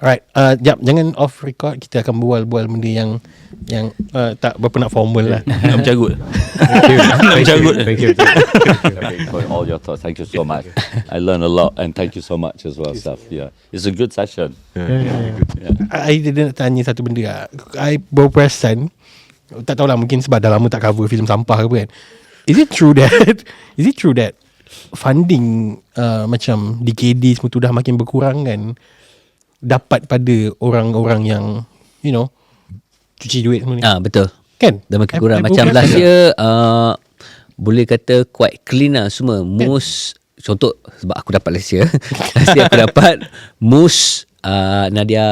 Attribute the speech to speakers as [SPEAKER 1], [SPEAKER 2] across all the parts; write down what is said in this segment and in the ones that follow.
[SPEAKER 1] Alright, jangan off record. Kita akan bual-bual benda yang tak berapa nak formal lah.
[SPEAKER 2] Nak bercarut.
[SPEAKER 3] Thank you for all your thoughts. Thank you so much. I learned a lot and thank you so much as well, Saf. Yeah, it's a good session.
[SPEAKER 1] I nak tanya satu benda lah. I baru perasan, tak tahulah, mungkin sebab dah lama tak cover filem sampah ke apa kan. Is it true that funding macam DKD semua tu dah makin berkurang kan, dapat pada orang-orang yang cuci duit semua ni?
[SPEAKER 4] Betul
[SPEAKER 1] Kan?
[SPEAKER 4] dah makin kurang. Macam last year boleh kata quite clean lah semua. Most contoh, sebab aku dapat last year aku dapat most Nadia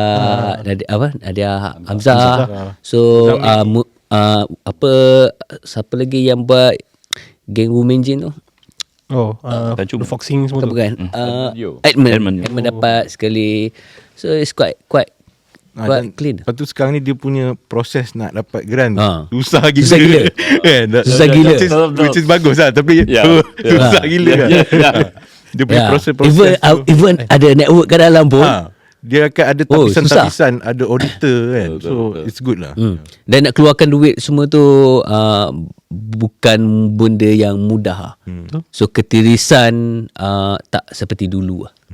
[SPEAKER 4] Hamzah. So siapa lagi yang buat Geng Women Jin tu? The Foxing semua tu bukan? Edmund dapat sekali. So it's quite clean.
[SPEAKER 5] Lepas tu sekarang ni dia punya proses nak dapat grant susah gila.
[SPEAKER 4] Susah gila.
[SPEAKER 5] Which is bagus lah, tapi susah gila lah. Dia punya proses
[SPEAKER 4] even ada network kat dalam pun
[SPEAKER 5] dia akan ada tapisan-tapisan, ada auditor kan. So it's good lah.
[SPEAKER 4] Dan nak keluarkan duit semua tu bukan benda yang mudah. So ketirisan tak seperti dulu lah.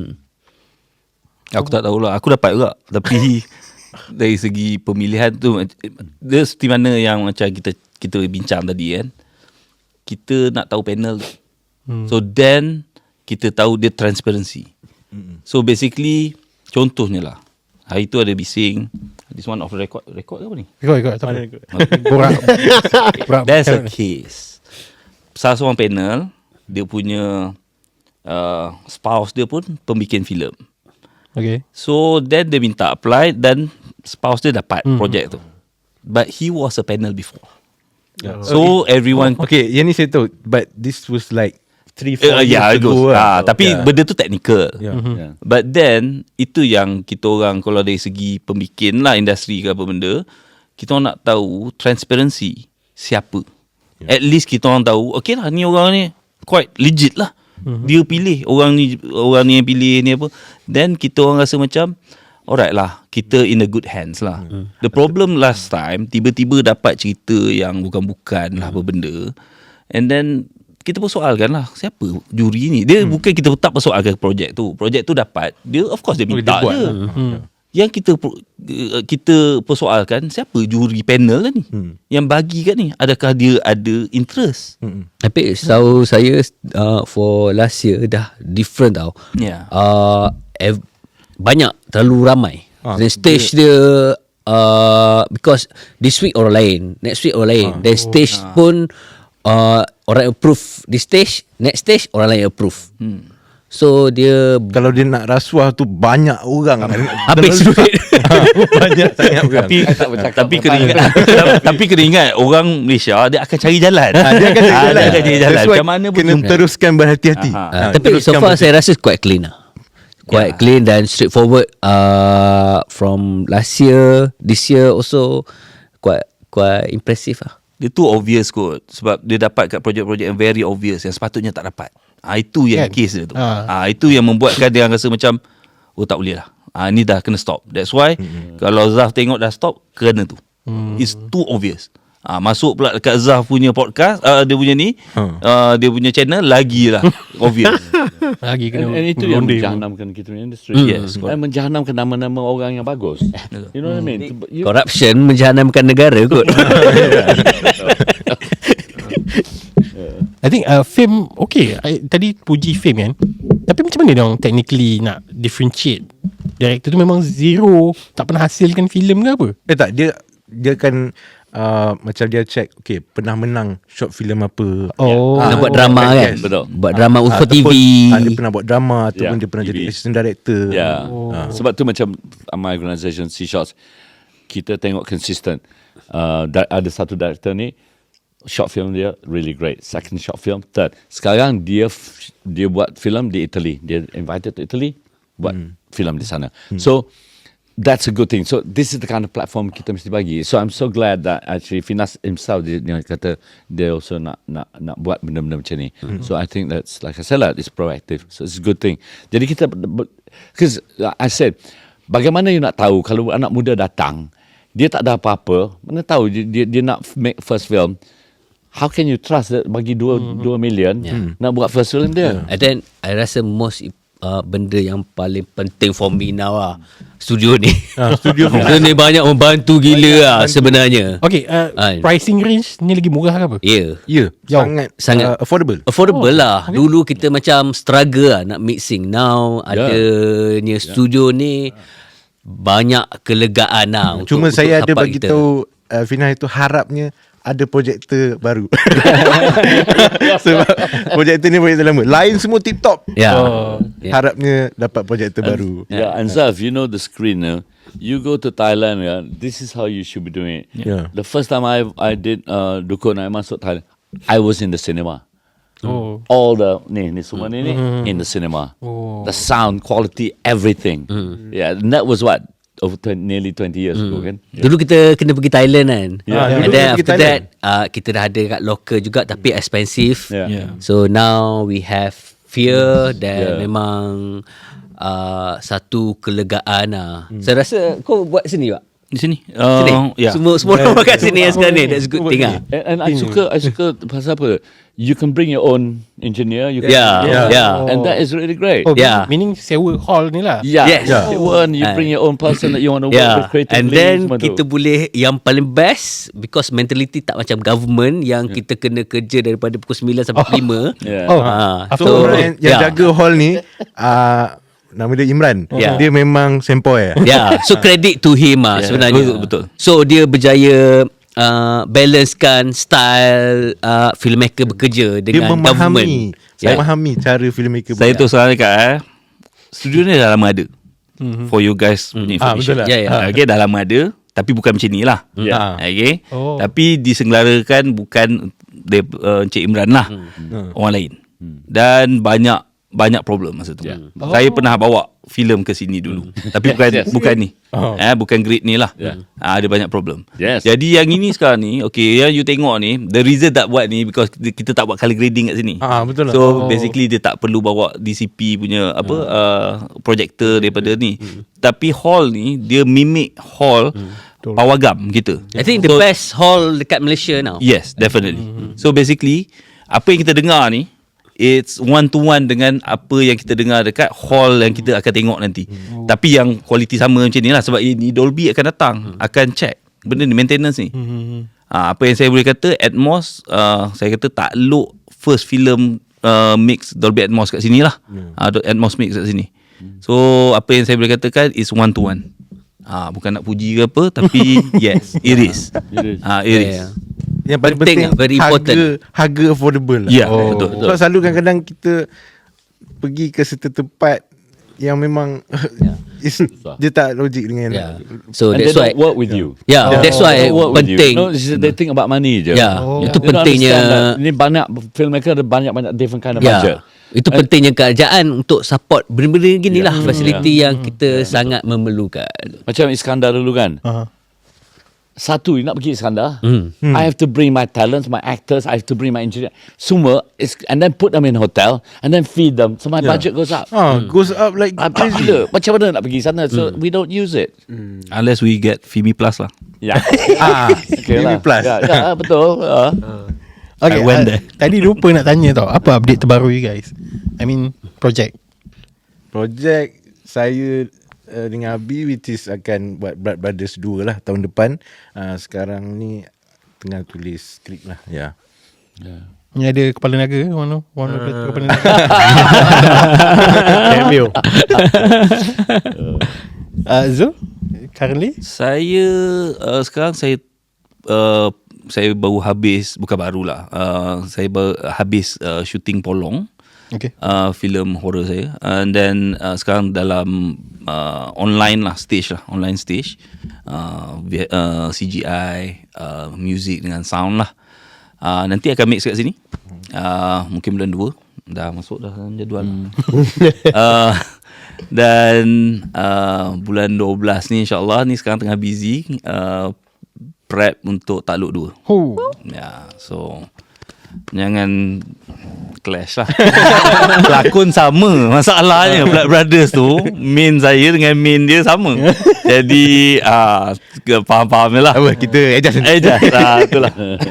[SPEAKER 2] Aku tak tahulah. Aku dapat juga. Tapi dari segi pemilihan tu, dia seperti mana yang macam kita bincang tadi kan. Kita nak tahu panel tu. So then kita tahu dia transparency. So basically, contohnya lah, hari tu ada bising. This one off the record ke apa ni?
[SPEAKER 1] Record.
[SPEAKER 2] There's a case. Salah seorang panel, dia punya spouse dia pun pembikin filem.
[SPEAKER 1] Okay.
[SPEAKER 2] So then dia minta apply dan spouse dia dapat projek tu. But he was a panel before. So everyone
[SPEAKER 5] yang ni saya tahu. But this was like 3-4 years ago lah.
[SPEAKER 2] Tapi benda tu technical. But then itu yang kita orang, kalau dari segi pembikin lah, industri ke apa benda, kita orang nak tahu transparency siapa. At least kita orang tahu, okay lah, ni orang ni quite legit lah. Dia pilih orang ni yang pilih ni apa. Then kita orang rasa macam alright lah, kita in a good hands lah. The problem last time, tiba-tiba dapat cerita yang bukan-bukan lah apa benda. And then kita persoalkan lah, siapa juri ni? Dia bukan kita tak persoalkan projek tu. Projek tu dapat, dia of course dia minta je. Yang kita persoalkan, siapa juri panel lah ni? Yang bagi kat ni, adakah dia ada interest?
[SPEAKER 4] Tapi setahu saya for last year dah different tau. Banyak, terlalu ramai. Then stage dia because this week orang lain, next week orang lain. Then stage pun orang approve this stage, next stage orang lain approve. So dia,
[SPEAKER 5] kalau dia nak rasuah tu banyak orang
[SPEAKER 4] habis duit.
[SPEAKER 5] Banyak sangat orang.
[SPEAKER 2] Tapi kena ingat orang Malaysia dia akan cari jalan.
[SPEAKER 5] Dia akan cari jalan.
[SPEAKER 2] Macam mana pun
[SPEAKER 5] kena teruskan berhati-hati.
[SPEAKER 4] Tapi so far saya rasa quite clean lah. Quite clean dan straightforward. From last year, this year also quite impressive lah.
[SPEAKER 2] Dia tu obvious kot. Sebab dia dapat kat projek-projek yang very obvious, yang sepatutnya tak dapat. Itu yang case dia tu. Itu yang membuatkan dia rasa macam, oh tak boleh lah, ni dah kena stop. That's why kalau Zaf tengok dah stop, kena tu. It's too obvious. Masuk pula dekat Zaf punya podcast, dia punya ni, dia punya channel, lagi lah obvious.
[SPEAKER 1] Lagi kena.
[SPEAKER 3] And itu yang menjahanamkan kita punya industri.
[SPEAKER 2] Yes,
[SPEAKER 3] dan menjahanamkan nama-nama orang yang bagus. You know what I mean?
[SPEAKER 4] Corruption menjahanamkan negara kot.
[SPEAKER 1] I think Fame okay. Tadi puji Fame kan. Tapi macam mana dia orang technically nak differentiate? Director tu memang zero, tak pernah hasilkan filem ke apa?
[SPEAKER 5] Tak, dia kan macam dia check, okay, pernah menang short film apa.
[SPEAKER 4] Nak buat drama kan?
[SPEAKER 3] Betul.
[SPEAKER 4] Buat drama untuk TV.
[SPEAKER 5] Dia pernah buat drama ataupun dia pernah jadi assistant director.
[SPEAKER 3] Sebab tu macam my organisation C-Shots, kita tengok consistent. Ada satu director ni, short film dia really great, second short film, third. Sekarang dia buat film di Italy. Dia invited to Italy, buat film di sana. So that's a good thing. So this is the kind of platform kita mesti bagi. So I'm so glad that actually Finas himself dia kata dia also nak buat benda-benda macam ni. So I think that's, like I said lah, it's proactive. So it's a good thing. Jadi kita, because I said bagaimana you nak tahu kalau anak muda datang, dia tak ada apa-apa, mana tahu dia nak make first film. How can you trust that bagi 2 million nak buat first film dia?
[SPEAKER 4] And then I rasa most benda yang paling penting for me now studio ni.
[SPEAKER 5] Studio
[SPEAKER 4] Studio ni banyak membantu gila sebenarnya.
[SPEAKER 1] Okay, pricing range ni lagi murah ke apa?
[SPEAKER 4] Ya.
[SPEAKER 5] Ya,
[SPEAKER 4] Sangat
[SPEAKER 5] affordable.
[SPEAKER 4] Affordable lah. Dulu kita macam struggle nak mixing. Now adanya studio ni banyak kelegaan lah.
[SPEAKER 5] Cuma
[SPEAKER 4] untuk
[SPEAKER 5] saya ada
[SPEAKER 4] tapak
[SPEAKER 5] bagi
[SPEAKER 4] kita.
[SPEAKER 5] tahu Fina itu harapnya ada projektor baru. Sebab projektor ni projektor lama. Lain semua tip-top.
[SPEAKER 4] Ya.
[SPEAKER 5] Harapnya dapat projektor baru.
[SPEAKER 3] Yeah, and Zaf, you know the screen. You go to Thailand. This is how you should be doing it.
[SPEAKER 5] Yeah.
[SPEAKER 3] The first time I did Dukun I masuk Thailand, I was in the cinema. All the ni semua ni in the cinema. The sound quality, everything. Yeah, and that was what nearly 20 years ago kan.
[SPEAKER 4] Dulu kita kena pergi Thailand kan.
[SPEAKER 3] Yeah.
[SPEAKER 4] And
[SPEAKER 5] Dulu
[SPEAKER 4] then
[SPEAKER 5] kita pergi
[SPEAKER 4] after that
[SPEAKER 5] Thailand.
[SPEAKER 4] kita dah ada kat local juga tapi expensive.
[SPEAKER 3] Yeah.
[SPEAKER 4] So now we have fear dan
[SPEAKER 3] Yeah.
[SPEAKER 4] memang satu kelegaan Saya rasa kau buat sini tak?
[SPEAKER 2] Di sini.
[SPEAKER 4] Sini.
[SPEAKER 2] Yeah.
[SPEAKER 4] Semua orang kat sini sekarang ni. That's a good thing
[SPEAKER 3] And I suka pasal apa? You can bring your own engineer. You can
[SPEAKER 4] Yeah.
[SPEAKER 3] and that is really great.
[SPEAKER 1] Oh,
[SPEAKER 4] Yeah.
[SPEAKER 1] meaning sewa hall ni lah.
[SPEAKER 3] Yeah,
[SPEAKER 4] Yes.
[SPEAKER 3] You bring your own person that you want to work with creatively.
[SPEAKER 4] And then
[SPEAKER 3] semua tu.
[SPEAKER 4] kita boleh yang paling best because mentality tak macam government yang kita kena kerja daripada pukul 9 sampai 5.
[SPEAKER 3] Yeah.
[SPEAKER 1] Oh,
[SPEAKER 5] So orang yang jaga hall ni nama dia Imran.
[SPEAKER 4] Yeah.
[SPEAKER 5] Dia memang sempoi.
[SPEAKER 4] Yeah, so credit to him sebenarnya.
[SPEAKER 2] Betul.
[SPEAKER 4] So dia berjaya balancekan style filmmaker bekerja
[SPEAKER 5] Dia
[SPEAKER 4] dengan
[SPEAKER 5] memahami.
[SPEAKER 4] government.
[SPEAKER 5] Saya memahami cara filmmaker
[SPEAKER 2] Saya tu sekarang dekat studio ni dah lama ada. For you guys punya information.
[SPEAKER 5] betul lah.
[SPEAKER 4] Ya, ya.
[SPEAKER 2] Okay, dah lama ada. Tapi bukan macam ni lah.
[SPEAKER 3] Yeah.
[SPEAKER 2] Okay.
[SPEAKER 1] Oh.
[SPEAKER 2] Tapi disengelarakan bukan Encik Imran lah. Orang lain. Dan banyak problem masa tu. Saya pernah bawa filem ke sini dulu. Tapi bukan ni. Bukan grade ni lah. Ada banyak problem.
[SPEAKER 3] Yes.
[SPEAKER 2] Jadi yang ini sekarang ni, okay, yang you tengok ni, the reason tak buat ni because kita tak buat color grading kat sini.
[SPEAKER 5] Betul lah.
[SPEAKER 2] So basically dia tak perlu bawa DCP punya projector daripada ni. Tapi hall ni dia mimic hall pawagam kita.
[SPEAKER 4] I think the best hall dekat Malaysia now.
[SPEAKER 2] Yes, definitely. So basically apa yang kita dengar ni, it's one to one dengan apa yang kita dengar dekat hall yang kita akan tengok nanti. Tapi yang kualiti sama macam ni lah. Sebab ini Dolby akan datang, akan check benda ni, maintenance ni. Apa yang saya boleh kata, Atmos, saya kata takluk first film mix Dolby Atmos kat sini lah. Atmos mix kat sini. So apa yang saya boleh katakan is one to one. Bukan nak puji ke apa, tapi yes, it is. It is.
[SPEAKER 5] Yang paling
[SPEAKER 4] Penting
[SPEAKER 5] penting
[SPEAKER 4] lah, very important.
[SPEAKER 5] harga affordable lah.
[SPEAKER 2] Ya, betul.
[SPEAKER 5] Sebab selalu kadang-kadang kita pergi ke satu tempat yang memang dia tak logik dengan
[SPEAKER 4] So
[SPEAKER 3] And
[SPEAKER 4] that's
[SPEAKER 3] they
[SPEAKER 4] why
[SPEAKER 3] don't work with you.
[SPEAKER 4] that's why
[SPEAKER 3] They don't work with you.
[SPEAKER 4] penting.
[SPEAKER 3] No, they think about money je.
[SPEAKER 4] Ya, itu
[SPEAKER 3] They don't
[SPEAKER 4] pentingnya.
[SPEAKER 3] understand that. Ni banyak filmmaker ada banyak different kind of budget.
[SPEAKER 4] Itu pentingnya kerajaan untuk support benda-benda gini lah, fasiliti yang kita sangat memerlukan.
[SPEAKER 3] Macam Iskandar dulu kan. Satu, you nak pergi Iskandar, I have to bring my talents, my actors, I have to bring my engineer, semua, and then put them in hotel, and then feed them, so my budget goes up.
[SPEAKER 5] Goes up like
[SPEAKER 3] Crazy gila. Macam mana nak pergi sana? So we don't use it.
[SPEAKER 2] Unless we get Fimi Plus lah.
[SPEAKER 3] Yeah.
[SPEAKER 5] TV Plus.
[SPEAKER 3] Ya, betul.
[SPEAKER 1] Okay,
[SPEAKER 2] I went there.
[SPEAKER 1] tadi lupa nak tanya tau, apa update terbaru you guys? I mean, project.
[SPEAKER 5] Projek saya dengan Abi which is akan buat Blood Brothers 2 lah tahun depan. Sekarang ni tengah tulis skrip lah. Ya.
[SPEAKER 1] Ni ada kepala naga ke? One of the kepala naga.
[SPEAKER 5] Cameo.
[SPEAKER 1] Zul, currently?
[SPEAKER 2] Saya sekarang saya baru habis, bukan barulah. Saya baru habis shooting Polong.
[SPEAKER 1] Okay.
[SPEAKER 2] Filem horror saya, and then sekarang dalam online stage, CGI, music dengan sound lah. Nanti akan mix kat sini, mungkin bulan 2 dah masuk dah dalam jadual. Dan bulan 12 ni insyaAllah, ni sekarang tengah busy prep untuk Takluk 2. Ya, so jangan clash lah. Pelakon sama. Masalahnya Blood Brothers tu, main saya dengan main dia sama. Jadi faham-faham je lah.
[SPEAKER 5] Apa kita adjust
[SPEAKER 2] Itulah.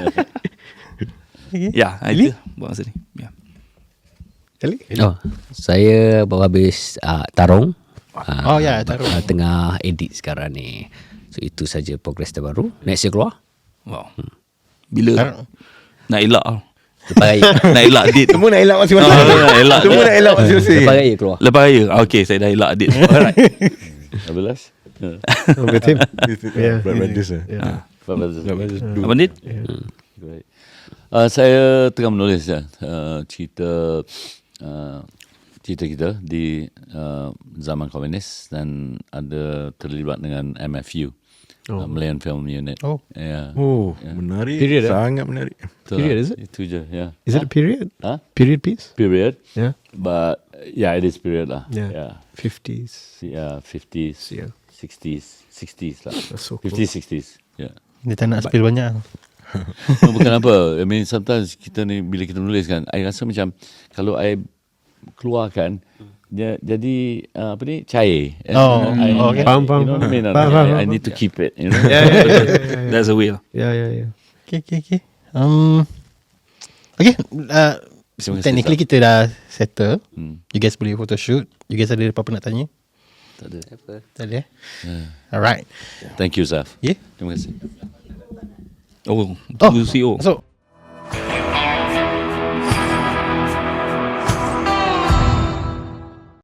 [SPEAKER 2] Ya, itu buat masa ni. Ya.
[SPEAKER 5] Kali
[SPEAKER 4] Saya baru habis tarung.
[SPEAKER 1] Oh ya, Tarung.
[SPEAKER 4] Tengah edit sekarang ni. So itu saja progress terbaru. Next year keluar.
[SPEAKER 2] Wow. Bila nak elak
[SPEAKER 4] Lepas raya.
[SPEAKER 2] nak elak date.
[SPEAKER 5] Semua nak elak masing-masing.
[SPEAKER 2] Nak elak
[SPEAKER 5] Semua
[SPEAKER 2] date.
[SPEAKER 5] nak elak masing-masing.
[SPEAKER 4] Lepas raya keluar.
[SPEAKER 2] Lepas raya. Okay, saya dah elak date. Alright.
[SPEAKER 3] 12.
[SPEAKER 5] Oh, betul. Blood Brothers lah.
[SPEAKER 2] Apa Dit?
[SPEAKER 3] Great. Saya tengah menulis cerita kita di zaman komunis dan ada terlibat dengan MFU, Malayan Film Unit.
[SPEAKER 1] Oh.
[SPEAKER 3] Yeah.
[SPEAKER 5] Oh, menarik.
[SPEAKER 6] Period,
[SPEAKER 5] Sangat menarik.
[SPEAKER 6] Period, is it?
[SPEAKER 3] Itu je, yeah.
[SPEAKER 6] Is it a period?
[SPEAKER 3] Huh?
[SPEAKER 6] Period piece?
[SPEAKER 3] Period.
[SPEAKER 6] Yeah.
[SPEAKER 3] But yeah, it is period lah.
[SPEAKER 6] Yeah. 50s.
[SPEAKER 3] Yeah, 50s,
[SPEAKER 6] Yeah.
[SPEAKER 3] 60s lah.
[SPEAKER 6] That's so cool.
[SPEAKER 3] 50s, 60s. Yeah.
[SPEAKER 1] Dia tak nak spill banyak.
[SPEAKER 3] No, bukan apa. I mean, sometimes kita ni bila kita menulis kan, I rasa macam kalau I keluarkan dia jadi apa ni cair.
[SPEAKER 1] Okay.
[SPEAKER 6] Faham.
[SPEAKER 3] You know what I mean?
[SPEAKER 6] Faham.
[SPEAKER 3] I need to keep it. You know.
[SPEAKER 2] That's the way lah.
[SPEAKER 6] Yeah.
[SPEAKER 1] Okay. Okay.
[SPEAKER 3] Terima kasih,
[SPEAKER 1] Technically kita dah settle.
[SPEAKER 3] Hmm.
[SPEAKER 1] You guys boleh photoshoot. You guys ada apa-apa nak tanya?
[SPEAKER 3] Tak ada.
[SPEAKER 1] Tak ada. Alright.
[SPEAKER 3] Thank you, Zaf.
[SPEAKER 1] Yeah.
[SPEAKER 3] Terima kasih.
[SPEAKER 2] Oh, tu CEO.
[SPEAKER 1] So